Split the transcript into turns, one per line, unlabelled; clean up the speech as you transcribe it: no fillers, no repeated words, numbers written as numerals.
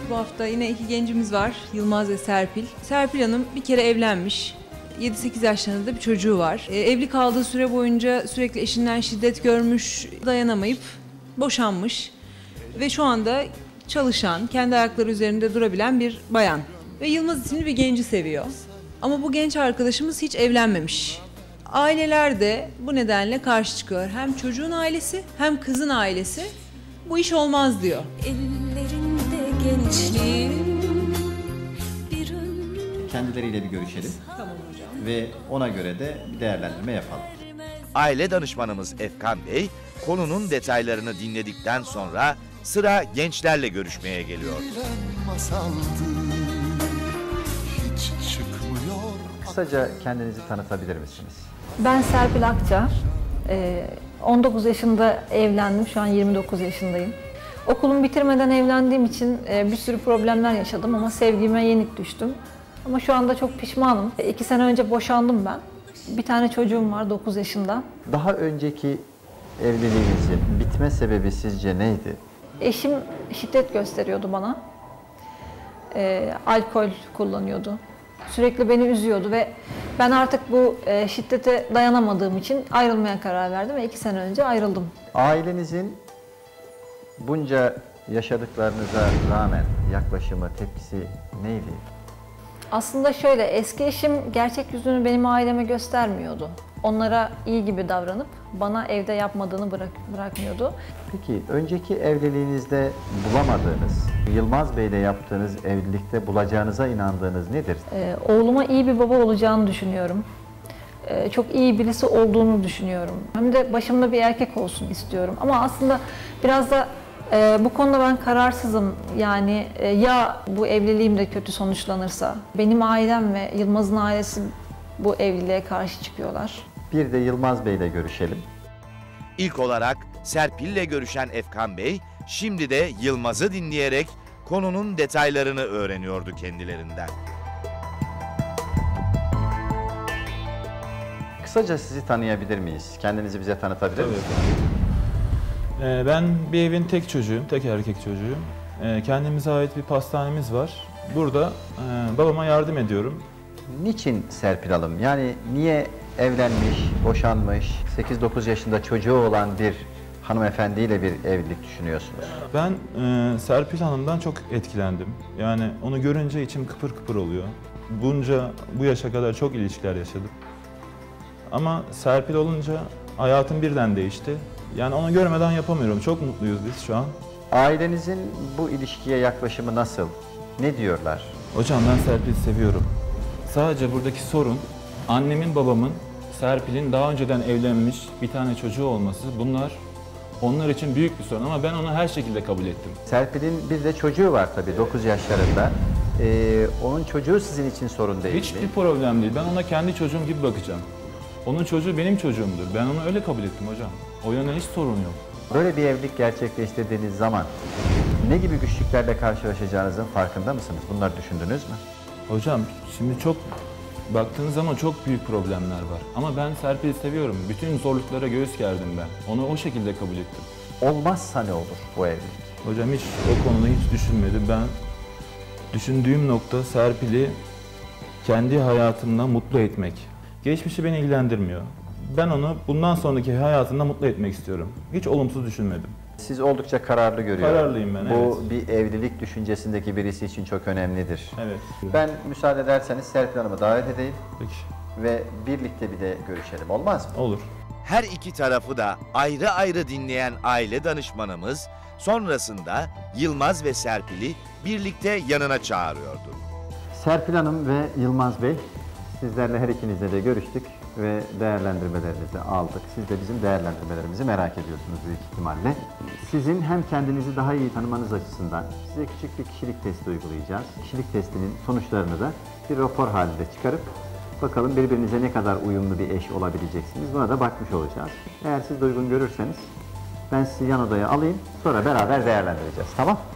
Bu hafta yine iki gencimiz var. Yılmaz ve Serpil. Serpil Hanım bir kere evlenmiş. 7-8 yaşlarında bir çocuğu var. Evli kaldığı süre boyunca sürekli eşinden şiddet görmüş, dayanamayıp boşanmış. Ve şu anda çalışan, kendi ayakları üzerinde durabilen bir bayan. Ve Yılmaz isimli bir genci seviyor. Ama bu genç arkadaşımız hiç evlenmemiş. Aileler de bu nedenle karşı çıkıyor. Hem çocuğun ailesi hem kızın ailesi bu iş olmaz diyor.
Ellerinde gençliğim bir
Kendileriyle bir görüşelim.
Tamam hocam.
Ve ona göre de bir değerlendirme yapalım.
Aile danışmanımız Efkan Bey, konunun detaylarını dinledikten sonra sıra gençlerle görüşmeye geliyor.
Kısaca kendinizi tanıtabilir misiniz?
Ben Serpil Akça. 19 yaşında evlendim. Şu an 29 yaşındayım. Okulumu bitirmeden evlendiğim için bir sürü problemler yaşadım ama sevgime yenik düştüm. Ama şu anda çok pişmanım. 2 sene önce boşandım ben. Bir tane çocuğum var 9 yaşında.
Daha önceki evliliğinizin bitme sebebi sizce neydi?
Eşim şiddet gösteriyordu bana. Alkol kullanıyordu. Sürekli beni üzüyordu ve ben artık bu şiddete dayanamadığım için ayrılmaya karar verdim ve 2 sene önce ayrıldım.
Ailenizin bunca yaşadıklarınıza rağmen yaklaşımı, tepkisi neydi?
Aslında şöyle, eski eşim gerçek yüzünü benim aileme göstermiyordu. Onlara iyi gibi davranıp bana evde yapmadığını bırakmıyordu.
Peki önceki evliliğinizde bulamadığınız, Yılmaz Bey'le yaptığınız evlilikte bulacağınıza inandığınız nedir?
Oğluma iyi bir baba olacağını düşünüyorum. Çok iyi birisi olduğunu düşünüyorum. Hem de başımda bir erkek olsun istiyorum. Ama aslında biraz da bu konuda ben kararsızım. Yani ya bu evliliğim de kötü sonuçlanırsa? Benim ailem ve Yılmaz'ın ailesi bu evliliğe karşı çıkıyorlar.
Bir de Yılmaz Bey'le görüşelim.
İlk olarak Serpil'le görüşen Efkan Bey, şimdi de Yılmaz'ı dinleyerek konunun detaylarını öğreniyordu kendilerinden.
Kısaca sizi tanıyabilir miyiz? Kendinizi bize tanıtabilir misiniz?
Ben bir evin tek çocuğuyum, tek erkek çocuğuyum. Kendimize ait bir pastanemiz var. Burada babama yardım ediyorum.
Niçin Serpil Hanım? Yani niye evlenmiş, boşanmış, 8-9 yaşında çocuğu olan bir hanımefendiyle bir evlilik düşünüyorsunuz?
Ben Serpil Hanım'dan çok etkilendim. Yani onu görünce içim kıpır kıpır oluyor. Bu yaşa kadar çok ilişkiler yaşadım. Ama Serpil olunca hayatım birden değişti. Yani onu görmeden yapamıyorum. Çok mutluyuz biz şu an.
Ailenizin bu ilişkiye yaklaşımı nasıl? Ne diyorlar?
Hocam ben Serpil'i seviyorum. Sadece buradaki sorun annemin babamın Serpil'in daha önceden evlenmiş bir tane çocuğu olması. Bunlar onlar için büyük bir sorun ama ben onu her şekilde kabul ettim.
Serpil'in bir de çocuğu var tabii 9 yaşlarında. Onun çocuğu sizin için sorun değil mi?
Hiçbir problem değil. Ben ona kendi çocuğum gibi bakacağım. Onun çocuğu benim çocuğumdur. Ben onu öyle kabul ettim hocam. O yönden hiç sorun yok.
Böyle bir evlilik gerçekleştirdiğiniz zaman ne gibi güçlüklerle karşılaşacağınızın farkında mısınız? Bunları düşündünüz mü?
Hocam şimdi çok baktığınız zaman çok büyük problemler var. Ama ben Serpil'i seviyorum. Bütün zorluklara göğüs gerdim ben. Onu o şekilde kabul ettim.
Olmazsa ne olur bu evlilik?
Hocam hiç o konuda hiç düşünmedim. Ben düşündüğüm nokta Serpil'i kendi hayatımda mutlu etmek. Geçmişi beni ilgilendirmiyor. Ben onu bundan sonraki hayatında mutlu etmek istiyorum. Hiç olumsuz düşünmedim.
Siz oldukça kararlı görüyorum.
Kararlıyım ben,
Bu
evet.
bir evlilik düşüncesindeki birisi için çok önemlidir.
Evet.
Ben müsaade ederseniz Serpil Hanım'ı davet edeyim
Peki.
ve birlikte bir de görüşelim. Olmaz mı?
Olur.
Her iki tarafı da ayrı ayrı dinleyen aile danışmanımız sonrasında Yılmaz ve Serpil'i birlikte yanına çağırıyordu.
Serpil Hanım ve Yılmaz Bey, sizlerle her ikinizle de görüştük ve değerlendirmelerinizi aldık. Siz de bizim değerlendirmelerimizi merak ediyorsunuz büyük ihtimalle. Sizin hem kendinizi daha iyi tanımanız açısından size küçük bir kişilik testi uygulayacağız. Kişilik testinin sonuçlarını da bir rapor halinde çıkarıp bakalım birbirinize ne kadar uyumlu bir eş olabileceksiniz. Buna da bakmış olacağız. Eğer siz de uygun görürseniz ben sizi yan odaya alayım, sonra beraber değerlendireceğiz. Tamam?